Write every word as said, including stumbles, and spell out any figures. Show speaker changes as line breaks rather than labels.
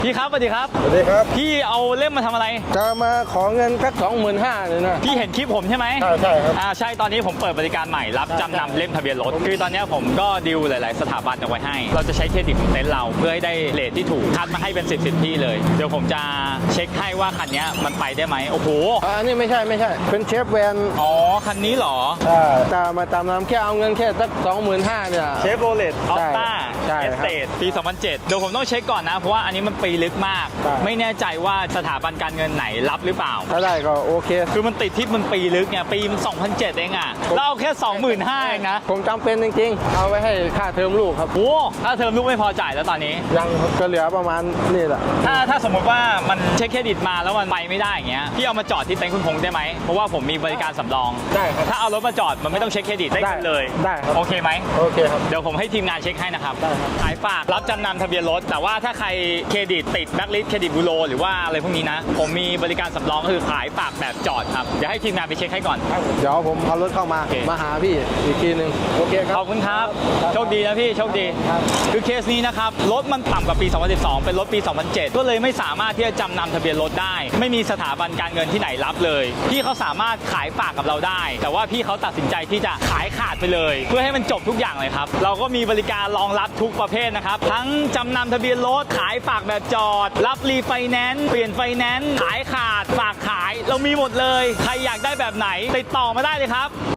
พี่ครับสวัสดีครับ
สวัสดีครับ
พี่เอาเล่มมาทำอะไร
จะมาขอเงินสักสองหมื่นห้าเลยนะ
พี่เห็นคลิปผมใช่ไหม
ใช่ใช่ครับ
อ่าใช่ตอนนี้ผมเปิดบริการใหม่รับจำนำเล่มทะเบียนรถคือตอนนี้ผมก็ดีลหลาย ๆ สถาบันเอาไว้ให้เราจะใช้เครดิตของเต็นท์เราเพื่อให้ได้เรทที่ถูกคัดมาให้เป็นสิบสิบที่เลยเดี๋ยวผมจะเช็คให้ว่าคันนี้มันไปได้ไหมโอ้โห
อันนี้ไม่ใช่ไม่ใช่เป็นเชฟแวน
อ๋อคันนี้เหรอ
ใช่จะมาตามน้ำแค่เอาเงินแค่สักสองหมื่นห้าเนี่ย
เชฟโรเลตออฟต้า
ใช่
เอสเตทปีสองพันเจ็ดเดี๋ยวผมต้องเช็คก่อนนะเพราะว่าอันนี้มันปีลึกมากไม่แน่ใจว่าสถาบันการเงินไหนรับหรือเปล่า
ถ้าได้ก็โอเค
คือมันติดที่มันปีลึกเนี่ยปีมันสองพันเจ็ดเองอ่ะเราเอาแค่สองหมื่นห้าเองนะ
ผมจำเป็นจริงๆเอาไว้ให้ค่าเทอมลูกครับ
โอ้ค่าเทอมลูกไม่พอจ่ายแล้วตอนนี้
ยังก็เหลือประมาณนี่แหละ
ถ้าถ้าสมมติว่ามันเช็คเครดิตมาแล้วมันไปไม่ได้อย่างเงี้ยพี่เอามาจอดที่เต็นท์คุณพงษ์ได้ไหมเพราะว่าผมมีบริการสำรอง
ได้ครับ
ถ้าเอารถมาจอดมันไม่ต้องเช็คเครดิตได้เลย
ได้ครับ
โอเคไหม
โอเคครับ
เดี๋ยวผมให้ทีมงานเช็คให้นะครับขายฝากรับจำนำทะเบียนรถแต่ว่าถ้าใครเครดิตติดแบล็คลิสต์เครดิตบูโรหรือว่าอะไรพวกนี้นะผมมีบริการสำรองคือขายฝากแบบจอดครับเดี๋ยวให้ทีมงานไปเช็คให้ก่อน
เดี๋ยวผมเอารถเข้ามามาหาพี่อีกทีหนึ่งโอเคครับ
ขอบคุณครับโชคดีนะพี่โชคดีคือเคสนี้นะครับรถมันต่ำกว่าปีสองพันสิบสองเป็นรถปีสองพันเจ็ดก็เลยไม่สามารถที่จะจำนำทะเบียนรถได้ไม่มีสถาบันการเงินที่ไหนรับเลยพี่เขาสามารถขายฝากกับเราได้แต่ว่าพี่เขาตัดสินใจที่จะขายขาดไปเลยเพื่อให้มันจบทุกอย่างเลยครับเราก็มีบริการรองรับทุกประเภทนะครับทั้งจำนำทะเบียนรถขายฝากแบบจอดรับรีไฟแนนซ์เปลี่ยนไฟแนนซ์ขายขาดฝากขายเรามีหมดเลยใครอยากได้แบบไหนติดต่อมาได้เลยครับ